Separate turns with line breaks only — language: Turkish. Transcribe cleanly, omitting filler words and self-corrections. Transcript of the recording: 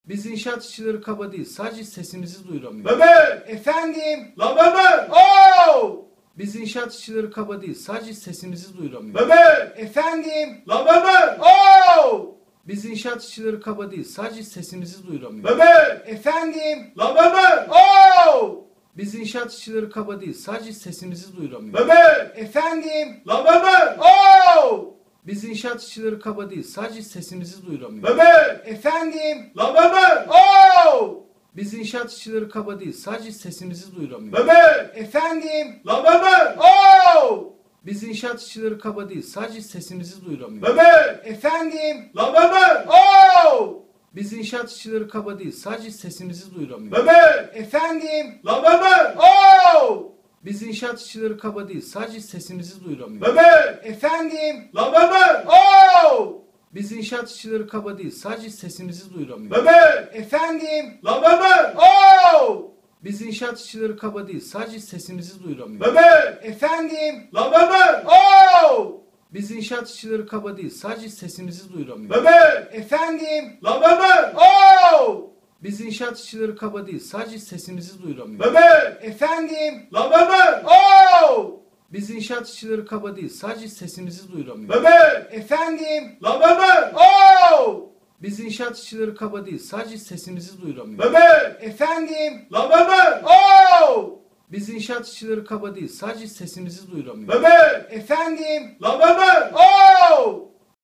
Biz inşaat işçileri kaba değil, sadece sesimizi duyuramıyor.
Mehmet!
Efendim?
La Mehmet!
Oo!
Biz inşaat işçileri kaba değil, sadece sesimizi duyuramıyor.
Mehmet!
Efendim?
La Mehmet!
Oo!
Biz inşaat işçileri kaba değil, sadece sesimizi duyuramıyor.
Mehmet!
Efendim?
La Mehmet!
Oo!
Biz inşaat işçileri kaba değil, sadece sesimizi duyuramıyor.
Mehmet!
Efendim?
La Mehmet!
Oo!
Biz inşaat işçileri kaba değil, sadece sesimizi duyuramıyor.
Mehmet!
Efendim?
La Mehmet!
Oo!
Biz inşaat işçileri kaba değil, sadece sesimizi duyuramıyor.
Mehmet!
Efendim?
La Mehmet!
Oo!
Biz inşaat işçileri kaba değil, sadece sesimizi duyuramıyor.
Mehmet!
Efendim?
La Mehmet!
Oo!
Biz inşaat işçileri kaba değil, sadece sesimizi duyuramıyor.
Mehmet!
Efendim?
La Mehmet!
Oo!
Biz inşaat işçileri kaba değil, sadece sesimizi duyuramıyor.
Mehmet!
Efendim?
La Mehmet!
Oo!
Biz inşaat işçileri kaba değil, sadece sesimizi duyuramıyor.
Mehmet!
Efendim?
La Mehmet!
Oo!
Biz inşaat işçileri kaba değil, sadece sesimizi duyuramıyor.
Mehmet!
Efendim?
La Mehmet!
Oo!
Biz inşaat işçileri kaba değil, sadece sesimizi duyuramıyor.
Mehmet!
Efendim?
La Mehmet!
Oo!
Biz inşaat işçileri kaba değil, sadece sesimizi duyuramıyor.
Mehmet!
Efendim?
La Mehmet!
Oo!
Biz inşaat işçileri kaba değil, sadece sesimizi duyuramıyor.
Mehmet!
Efendim?
La Mehmet!
Oo!
Biz inşaat işçileri kaba değil, sadece sesimizi duyuramıyor.
Mehmet!
Efendim?
La Mehmet!
Oo!
Biz inşaat işçileri kaba değil, sadece sesimizi duyuramıyor.
Mehmet!
Efendim?
La Mehmet!
Oo!